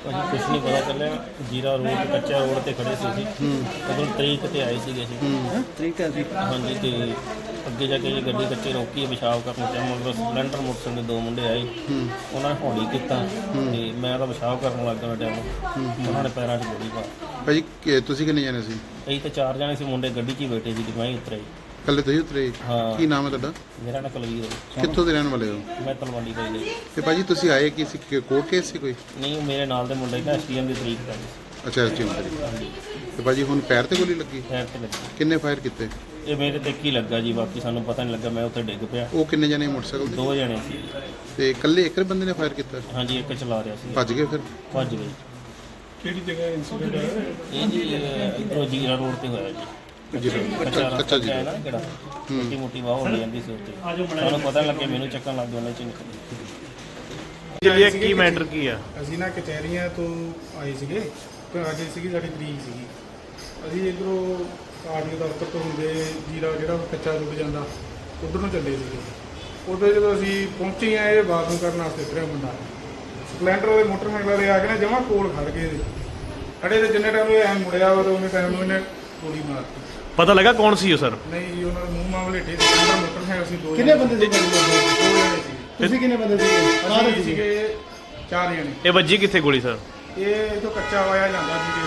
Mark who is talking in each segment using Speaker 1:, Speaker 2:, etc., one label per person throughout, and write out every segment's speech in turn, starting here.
Speaker 1: कुछ नहीं पता चलिया। जीरा रोड कच्चा रोड ते खड़े सी उधर तरीक ते आए थे
Speaker 2: तरीक है
Speaker 1: हाँ जी। तो अगे जाके जी गड्डी कच्चे रोकी पेशाब करने चाहे मगर सिलेंडर मोटरसाइकिल दो मुंडे आए उन्होंने हौली किया मैं तो पेशाब करने लग गया टाइम उन्होंने पैरों च गोली पा
Speaker 3: भाजी ਤੁਸੀਂ ਕਿੰਨੇ ਜਾਣੇ ਸੀ?
Speaker 1: ਅਸੀਂ तो चार जने से मुंडे गड्डी 'ਚ ही बैठे सी मैं ही उतरे।
Speaker 3: ਕੱਲੇ ਤੁਸੀਂ ਉਤਰੇ?
Speaker 1: हाँ
Speaker 3: ਕੀ ਨਾਮ ਹੈ ਤੁਹਾਡਾ?
Speaker 1: मेरा ना कुलवीर है।
Speaker 3: ਕਿੱਥੋਂ ਦੇ ਰਹਿਣ ਵਾਲੇ ਹੋ?
Speaker 1: मैं तलवंडी भाई जी।
Speaker 3: ਤੇ ਭਾਜੀ ਤੁਸੀਂ ਆਏ ਕੀ ਸੀ? ਕੋਰਟ ਕੇਸ ਸੀ ਕੋਈ?
Speaker 1: नहीं मेरे नाल दे मुंडे ना एसटीएम की तरीक कर
Speaker 3: ਅੱਛਾ ਐਸਟੀਐਮ ਕਰੀ। ਤੇ ਭਾਜੀ ਹੁਣ ਪੈਰ ਤੇ ਗੋਲੀ ਲੱਗੀ?
Speaker 1: पैर से लगी
Speaker 3: ਕਿੰਨੇ ਫਾਇਰ ਕੀਤੇ?
Speaker 1: ये मेरे ते की लगा जी बाकी सानू पता नहीं लगा मैं उत्ते डिग पिया।
Speaker 3: ਉਹ ਕਿੰਨੇ ਜਣੇ ਮੋਟਰਸਾਈਕਲ ਤੇ?
Speaker 1: दो जने सी।
Speaker 3: ਤੇ ਇਕੱਲੇ ਇੱਕ ਬੰਦੇ ਨੇ ਫਾਇਰ ਕੀਤਾ?
Speaker 1: हाँ जी एक चला रहा सी
Speaker 3: ਭੱਜ ਗਏ ਫਿਰ?
Speaker 1: भज गई।
Speaker 2: ਕਿਹੜੀ ਜਗ੍ਹਾ ਇੰਸੀਡੈਂਟ ਹੈ?
Speaker 1: ये जी इधरों जीरा रोड ते होया जी।
Speaker 3: ਜੀ
Speaker 1: कच्चा
Speaker 3: ਕੱਚਾ ਜੀ
Speaker 1: है ना किहड़ा मोटी मोटी वाह हो जाती सी उत्ते सानू पता नहीं लगे मैनू चक्कन लग गया उन्हें च
Speaker 4: ਚੱਲਿए ਕੀ ਮੈਟਰ ਕੀ ਆ?
Speaker 2: ਅਸੀਂ ਨਾ ਕਚਹਿਰੀਆਂ ਤੋਂ ਆਏ ਸੀਗੇ ਤੇ ਅੱਜ ਸੀਗੀ ਸਾਡੀ ਤਰੀਕ ਸੀਗੀ। ਅਸੀਂ ਇੱਧਰੋਂ ਆਰਟੀਓ ਦਫ਼ਤਰ ਤੋਂ ਹੁੰਦੇ ਜੀਰਾ ਜਿਹੜਾ ਕੱਚਾ ਰੁਕ ਜਾਂਦਾ ਉਧਰ ਨੂੰ ਚੱਲੇ ਸੀਗੇ। ਉੱਧਰ ਜਦੋਂ ਅਸੀਂ ਪਹੁੰਚੇ ਆ ਇਹ ਬਾਥਰੂਮ ਕਰਨ ਵਾਸਤੇ ਉਤਰਿਆ ਮੁੰਡਾ ਸਪਲੈਂਡਰ ਉਹਦੇ ਮੋਟਰਸਾਈਕਲ ਦੇ ਆ ਕੇ ਨਾ ਜਮਾਂ ਕੋਲ ਖੜ ਗਏ ਖੜੇ ਤੇ ਜਿੰਨੇ ਟਾਈਮ ਇਹ ਐਂ ਮੁੜਿਆ ਉਹਨੇ ਟਾਈਮ ਨੂੰ ਇਹਨੇ ਗੋਲੀ ਮਾਰਤੀ।
Speaker 4: ਪਤਾ ਲੱਗਾ ਕੌਣ ਸੀ ਉਹ ਸਰ?
Speaker 2: ਨਹੀਂ ਜੀ ਉਹਨਾਂ ਦੇ ਮੂੰਹ ਮਾਮਲੇ ਢੇ ਸਪਲੈਂਡਰ ਮੋਟਰਸਾਈਕਲ ਸੀ ਦੋ
Speaker 5: ਕਿੰਨੇ ਬੰਦੇ ਸੀ?
Speaker 2: ਦੋ ਜਣੇ ਸੀ।
Speaker 5: ਤੁਸੀਂ ਕਿੰਨੇ ਬੰਦੇ ਸੀ?
Speaker 2: ਅਸੀਂ ਸੀਗੇ ਚਾਰ ਜਣੇ।
Speaker 4: ਇਹ ਵੱਜੀ ਕਿੱਥੇ ਗੋਲੀ ਸਰ?
Speaker 2: ਇਹ ਇਥੋਂ ਕੱਚਾ ਵਾਇਆ ਜਾਂਦਾ ਸੀ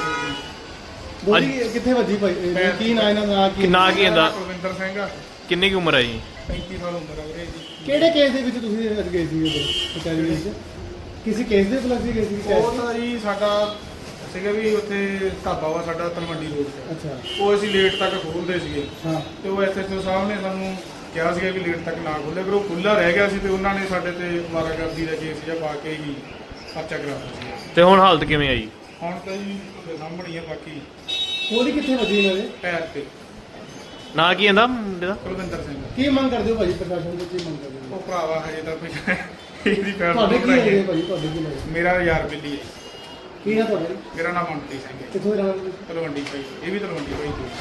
Speaker 5: ਗੋਲੀ ਕਿੱਥੇ ਵੱਜੀ ਭਾਈ? ਕੀ ਨਾਂ ਇਹਨਾਂ ਦਾ? ਨਾਂ ਕੀ?
Speaker 4: ਨਾਂ ਕੀ ਇਹਦਾ?
Speaker 2: ਕੁਲਵਿੰਦਰ ਸਿੰਘ ਆ,
Speaker 4: ਕਿੰਨੀ ਕੁ ਉਮਰ ਹੈ ਜੀ?
Speaker 2: 35 ਸਾਲ ਉਮਰ ਆ ਵੀਰੇ ਜੀ।
Speaker 5: ਕਿਹੜੇ ਕੇਸ ਦੇ ਵਿੱਚ ਤੁਸੀਂ ਅੱਜ ਗਏ ਸੀ ਉਦੋਂ ਕਚਹਿਰੀ ਵਿੱਚ? ਕਿਸੇ ਕੇਸ ਦੇ ਪਲਸ ਗਏ ਸੀ?
Speaker 2: ਉਹ ਤਾਂ ਜੀ ਸਾਡਾ ਸੀਗਾ ਵੀ ਉੱਥੇ ਢਾਬਾ ਵਾ ਸਾਡਾ ਤਲਵੰਡੀ ਰੋਡ ਤੇ।
Speaker 5: ਅੱਛਾ
Speaker 2: ਉਹ ਅਸੀਂ ਲੇਟ ਤੱਕ ਖੋਲ੍ਹਦੇ ਸੀਗੇ
Speaker 5: ਹਾਂ।
Speaker 2: ਤੇ ਉਹ ਐਸਐਚਓ ਸਾਹਿਬ ਨੇ ਸਾਨੂੰ ਕਿਹਾ ਸੀਗਾ ਵੀ ਲੇਟ ਤੱਕ ਨਾ ਖੋਲ੍ਹੇ, ਪਰ ਉਹ ਖੁੱਲ੍ਹਾ ਰਹਿ ਗਿਆ ਸੀ ਤੇ ਉਹਨਾਂ ਨੇ ਸਾਡੇ ਤੇ ਅਵਾਰਾਗਰਦੀ ਦਾ ਕੇਸ ਜਿਹਾ ਪਾ ਕੇ ਹੀ ਪਰਚਾ ਕਰਾਤਾ ਸੀ।
Speaker 4: ਤੇ ਹੁਣ ਹਾਲਤ ਕਿਵੇਂ ਆਈ?
Speaker 2: ਹੁਣ ਤਾਂ ਜੀ ਤੁਹਾਡੇ ਸਾਹਮਣੇ ਹੀ ਆ। ਬਾਕੀ
Speaker 5: ਗੋਲੀ ਕਿੱਥੇ ਵੱਜੀ ਇਹਨਾਂ ਦੇ?
Speaker 2: ਪੈਰ ਤੇ
Speaker 4: ਨਾਂ ਕੀ ਇਹਦਾ ਮੁੰਡੇ ਦਾ?
Speaker 2: ਕੁਲਵਿੰਦਰ ਸਿੰਘ।
Speaker 5: ਕੀ ਮੰਗ ਕਰਦੇ ਹੋ ਭਾਜੀ ਪ੍ਰਸ਼ਾਸਨ ਤੋਂ? ਕੀ ਮੰਗ ਕਰਦੇ ਹੋ?
Speaker 2: ਉਹ ਭਰਾਵਾ ਹਜੇ ਤਾਂ ਕੋਈ ਇਹਦੀ ਪੈਰ
Speaker 5: ਤੁਹਾਡੇ ਕੀ
Speaker 2: ਬਣਾਈ
Speaker 5: ਲੱਗਦੇ
Speaker 2: ਹੈ।
Speaker 5: ਭਾਜੀ? ਤੁਹਾਡੇ ਕੀ ਲੱਗਦੇ?
Speaker 2: ਮੇਰਾ ਯਾਰ ਬਿੱਲੀ ਹੈ।
Speaker 5: ਕੀ ਹੈ ਤੁਹਾਡੇ?
Speaker 2: ਮੇਰਾ ਨਾਮ ਮਨਪ੍ਰੀਤ ਸਿੰਘ ਹੈ।
Speaker 5: ਕਿੱਥੋਂ ਦੇ ਰਹਿਣ ਵਾਲੇ?
Speaker 2: ਤਲਵੰਡੀ ਭਾਈ, ਇਹ ਵੀ ਤਲਵੰਡੀ ਭਾਈ ਤੋਂ।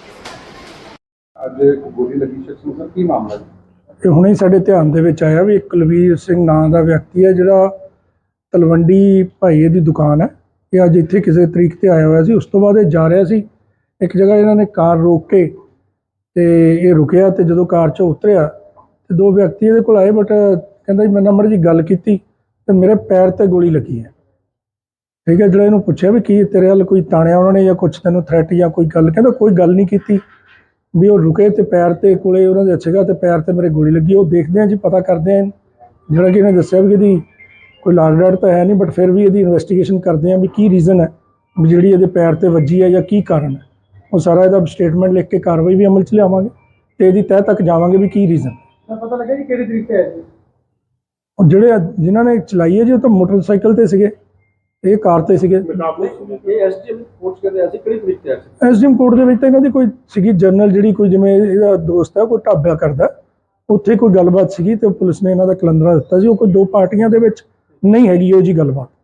Speaker 3: ਅੱਜ ਗੋਲੀ ਲੱਗੀ ਸ਼ਖਸ ਨੂੰ ਸਰ ਕੀ ਮਾਮਲਾ ਹੈ?
Speaker 6: ਇਹ ਹੁਣੇ ਸਾਡੇ ਧਿਆਨ ਦੇ ਵਿੱਚ ਆਇਆ ਵੀ ਇੱਕ ਕੁਲਵੀਰ ਸਿੰਘ ਨਾਂ ਦਾ ਵਿਅਕਤੀ ਹੈ ਜਿਹੜਾ ਤਲਵੰਡੀ ਭਾਈਏ ਦੀ ਦੁਕਾਨ ਹੈ। ਇਹ ਅੱਜ ਇੱਥੇ ਕਿਸੇ ਤਰੀਕ ਤੇ ਆਇਆ ਹੋਇਆ ਸੀ। ਉਸ ਤੋਂ ਬਾਅਦ ਇਹ ਜਾ ਰਿਹਾ ਸੀ ਇੱਕ ਜਗ੍ਹਾ, ਇਹਨਾਂ ਨੇ ਕਾਰ ਰੋਕ ਕੇ ਤੇ ਇਹ ਰੁਕਿਆ ਤੇ ਜਦੋਂ ਕਾਰ 'ਚੋਂ ਉਤਰਿਆ ਤੇ ਦੋ ਵਿਅਕਤੀ ਇਹਦੇ ਕੋਲ ਆਏ, ਬਟ ਕਹਿੰਦਾ ਜੀ ਮੈਂ ਨੰਬਰ ਜੀ ਗੱਲ ਕੀਤੀ ਤੇ ਮੇਰੇ ਪੈਰ ਤੇ ਗੋਲੀ ਲੱਗੀ ਹੈ। ਠੀਕ ਹੈ, ਜਿਹੜਾ ਇਹਨੂੰ ਪੁੱਛਿਆ ਵੀ ਕੀ ਤੇਰੇ ਵੱਲ ਕੋਈ ਤਾਣਿਆ ਉਹਨਾਂ ਨੇ ਜਾਂ ਕੁਛ ਤੈਨੂੰ ਥ੍ਰੈਟ ਜਾਂ ਕੋਈ ਗੱਲ, ਕਹਿੰਦਾ ਕੋਈ ਗੱਲ ਨਹੀਂ ਕੀਤੀ। ਵੀ ਉਹ ਰੁਕੇ ਤੇ ਪੈਰ ਤੇ ਕੋਲੇ ਉਹਨਾਂ ਦੇ ਸੀਗਾ ਤੇ ਪੈਰ ਤੇ ਮੇਰੇ ਗੋਲੀ ਲੱਗੀ। ਉਹ ਦੇਖਦੇ ਆ ਜੀ, ਪਤਾ ਕਰਦੇ ਆ। ਜਿਹੜਾ ਕਿ ਇਹਨੇ ਦੱਸਿਆ ਵੀ ਇਹਦੀ ਕੋਈ ਲਾਗ ਡਾਟ ਤਾਂ ਹੈ ਨਹੀਂ, ਬਟ ਫਿਰ ਵੀ ਇਹਦੀ ਇਨਵੈਸਟੀਗੇਸ਼ਨ ਕਰਦੇ ਆ ਵੀ ਕੀ ਰੀਜ਼ਨ ਹੈ ਵੀ ਜਿਹੜੀ ਇਹਦੇ ਪੈਰ ਤੇ ਵੱਜੀ ਹੈ ਜਾਂ ਕੀ ਕਾਰਨ ਹੈ। ਉਹ ਸਾਰਾ ਇਹਦਾ ਸਟੇਟਮੈਂਟ ਲਿਖ ਕੇ ਕਾਰਵਾਈ ਵੀ ਅਮਲ 'ਚ ਲਿਆਵਾਂਗੇ ਤੇ ਇਹਦੀ ਤਹਿ ਤੱਕ ਜਾਵਾਂਗੇ ਵੀ ਕੀ ਰੀਜ਼ਨ।
Speaker 5: ਪਤਾ ਲੱਗਾ ਜੀ ਕਿਹੜੇ ਤਰੀਕੇ ਆਏ ਜੀ?
Speaker 6: ਉਹ ਜਿਹੜੇ ਜਿਨ੍ਹਾਂ ਨੇ ਚਲਾਈ ਹੈ ਜੀ ਉਹ ਤਾਂ ਮੋਟਰਸਾਈਕਲ ਤੇ ਸੀਗੇ, ਇਹ ਕਾਰ ਤੇ ਸੀਗੇ।
Speaker 5: ਇਹ ਐਸਟੀਐਮ ਕੋਰਟ ਕਹਿੰਦੇ ਅਸੀਂ ਕਿਹੜੀ ਤਰੀਕੇ ਤੇ ਆਏ?
Speaker 6: ਐਸਡੀਐਮ ਕੋਰਟ ਦੇ ਵਿੱਚ ਤਾਂ ਇਹਨਾਂ ਦੀ ਕੋਈ ਸੀਗੀ ਜਰਨਲ, ਜਿਹੜੀ ਕੋਈ ਜਿਵੇਂ ਇਹਦਾ ਦੋਸਤ ਹੈ ਕੋਈ ਢਾਬਾ ਕਰਦਾ, ਉੱਥੇ ਕੋਈ ਗੱਲਬਾਤ ਸੀਗੀ ਤੇ ਪੁਲਿਸ ਨੇ ਇਹਨਾਂ ਦਾ ਕਲੰਦਰਾ ਦਿੱਤਾ ਸੀ। ਉਹ ਕੋਈ ਦੋ ਪਾਰਟੀਆਂ ਦੇ ਵਿੱਚ ਨਹੀਂ ਹੈਗੀ ਉਹ ਜੀ ਗੱਲਬਾਤ।